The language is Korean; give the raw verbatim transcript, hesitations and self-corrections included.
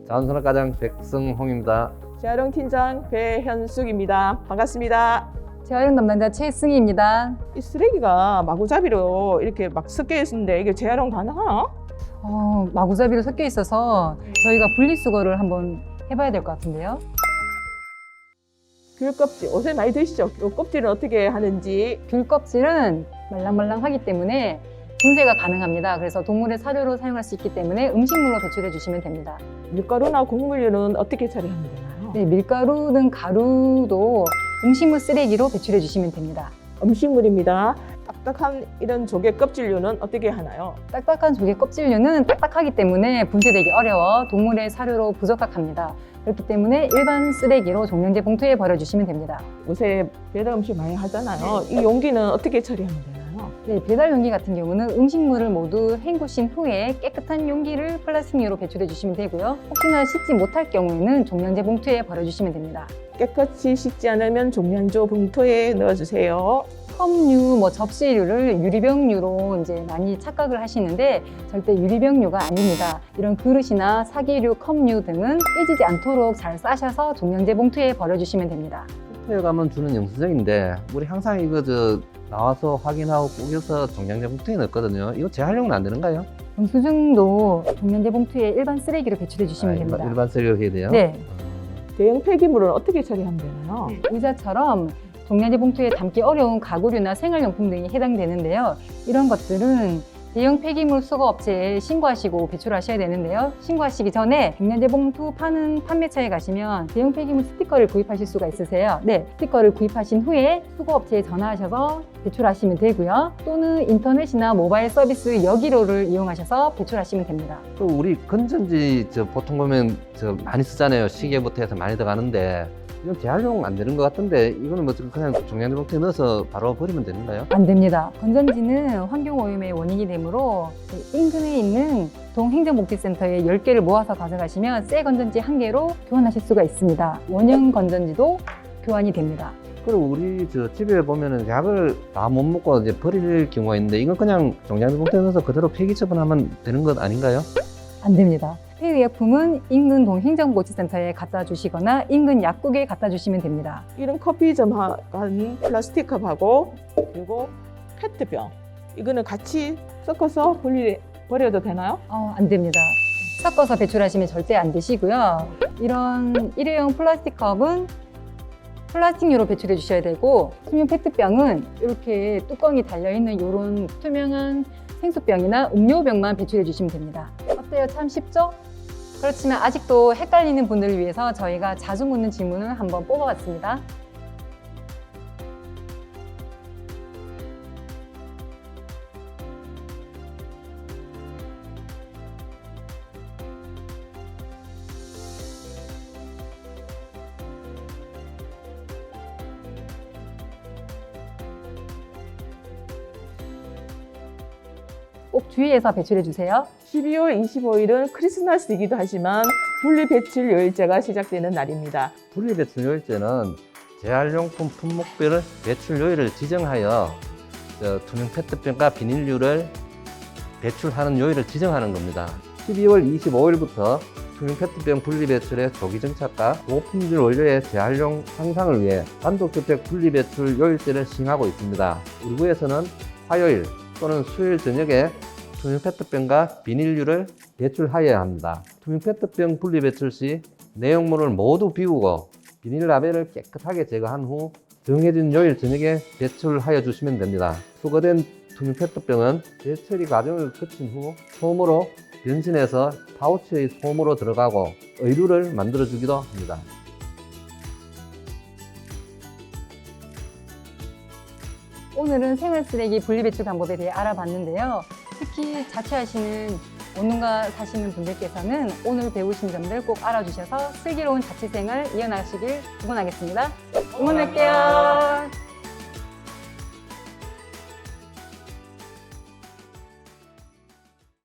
자원산업과장 백성홍입니다. 재활용 팀장 배현숙입니다. 반갑습니다. 재활용 담당자 최승희입니다. 이 쓰레기가 마구잡이로 이렇게 막 섞여 있는데 이게 재활용 가능하나? 어, 마구잡이로 섞여 있어서 저희가 분리수거를 한번 해봐야 될 것 같은데요. 귤 껍질 옷에 많이 드시죠? 이 껍질은 어떻게 하는지. 귤 껍질은 말랑말랑하기 때문에 분쇄가 가능합니다. 그래서 동물의 사료로 사용할 수 있기 때문에 음식물로 배출해 주시면 됩니다. 밀가루나 곡물류는 어떻게 처리하면 되나요? 네, 밀가루는 가루도 음식물 쓰레기로 배출해 주시면 됩니다. 음식물입니다. 딱딱한 이런 조개 껍질류는 어떻게 하나요? 딱딱한 조개 껍질류는 딱딱하기 때문에 분쇄되기 어려워 동물의 사료로 부적합합니다. 그렇기 때문에 일반 쓰레기로 종량제 봉투에 버려주시면 됩니다. 요새 배달 음식 많이 하잖아요. 이 용기는 어떻게 처리하면 되나요? 네, 배달 용기 같은 경우는 음식물을 모두 헹구신 후에 깨끗한 용기를 플라스틱류로 배출해 주시면 되고요. 혹시나 씻지 못할 경우에는 종량제 봉투에 버려주시면 됩니다. 깨끗이 씻지 않으면 종량제 봉투에 넣어주세요. 컵류, 뭐 접시류를 유리병류로 이제 많이 착각을 하시는데 절대 유리병류가 아닙니다. 이런 그릇이나 사기류, 컵류 등은 깨지지 않도록 잘 싸셔서 종량제 봉투에 버려주시면 됩니다. 호텔 가면 주는 영수증인데 우리 항상 이거 저 나와서 확인하고 구겨서 종량제 봉투에 넣거든요. 이거 재활용은 안 되는가요? 영수증도 종량제 봉투에 일반 쓰레기로 배출해 주시면 아, 됩니다. 일반, 일반 쓰레기로 해야 돼요? 네, 대형 폐기물은 어떻게 처리하면 되나요? 의자처럼 종량제 봉투에 담기 어려운 가구류나 생활용품 등이 해당되는데요. 이런 것들은 대형 폐기물 수거 업체에 신고하시고 배출하셔야 되는데요. 신고하시기 전에 종량제 봉투 파는 판매처에 가시면 대형 폐기물 스티커를 구입하실 수가 있으세요. 네, 스티커를 구입하신 후에 수거 업체에 전화하셔서 배출하시면 되고요. 또는 인터넷이나 모바일 서비스 여기로를 이용하셔서 배출하시면 됩니다. 또 우리 건전지 저 보통 보면 저 많이 쓰잖아요. 시계부터 해서 많이 들어가는데 이건 재활용 안 되는 것 같은데 이거는 뭐 그냥 종량제 봉투에 넣어서 바로 버리면 되는가요? 안 됩니다. 건전지는 환경오염의 원인이 되므로 인근에 있는 동행정복지센터에 열 개를 모아서 가져가시면 새 건전지 한 개로 교환하실 수가 있습니다. 원형 건전지도 교환이 됩니다. 그리고 우리 저 집에 보면은 약을 다 못 먹고 이제 버릴 경우가 있는데 이건 그냥 종량제 봉투에 넣어서 그대로 폐기 처분하면 되는 것 아닌가요? 안 됩니다. 폐의약품은 인근 동행정복지센터에 갖다 주시거나 인근 약국에 갖다 주시면 됩니다. 이런 커피점한 플라스틱 컵하고 그리고 페트병 이거는 같이 섞어서 분리 버려도 되나요? 어, 안 됩니다. 섞어서 배출하시면 절대 안 되시고요. 이런 일회용 플라스틱 컵은 플라스틱류로 배출해 주셔야 되고 투명 페트병은 이렇게 뚜껑이 달려있는 이런 투명한 생수병이나 음료병만 배출해 주시면 됩니다. 어때요? 참 쉽죠? 그렇지만 아직도 헷갈리는 분들을 위해서 저희가 자주 묻는 질문을 한번 뽑아봤습니다. 꼭 주의해서 배출해 주세요. 십이월 이십오일은 크리스마스이기도 하지만 분리배출 요일제가 시작되는 날입니다. 분리배출 요일제는 재활용품 품목별 배출 요일을 지정하여 저 투명 페트병과 비닐류를 배출하는 요일을 지정하는 겁니다. 십이월 이십오일부터 투명 페트병 분리배출의 조기 정착과 고품질 원료의 재활용 향상을 위해 단독주택 분리배출 요일제를 시행하고 있습니다. 우리 구에서는 화요일 또는 수요일 저녁에 투명 페트병과 비닐류를 배출하여야 합니다. 투명 페트병 분리배출 시 내용물을 모두 비우고 비닐 라벨을 깨끗하게 제거한 후 정해진 요일 저녁에 배출하여 주시면 됩니다. 수거된 투명 페트병은 재처리 과정을 거친 후 솜으로 변신해서 파우치의 솜으로 들어가고 의류를 만들어 주기도 합니다. 오늘은 생활쓰레기 분리배출 방법에 대해 알아봤는데요. 특히 자취하시는 원룸가 사시는 분들께서는 오늘 배우신 점들 꼭 알아주셔서 슬기로운 자취생활 이어나가시길 응원하겠습니다. 응원할게요.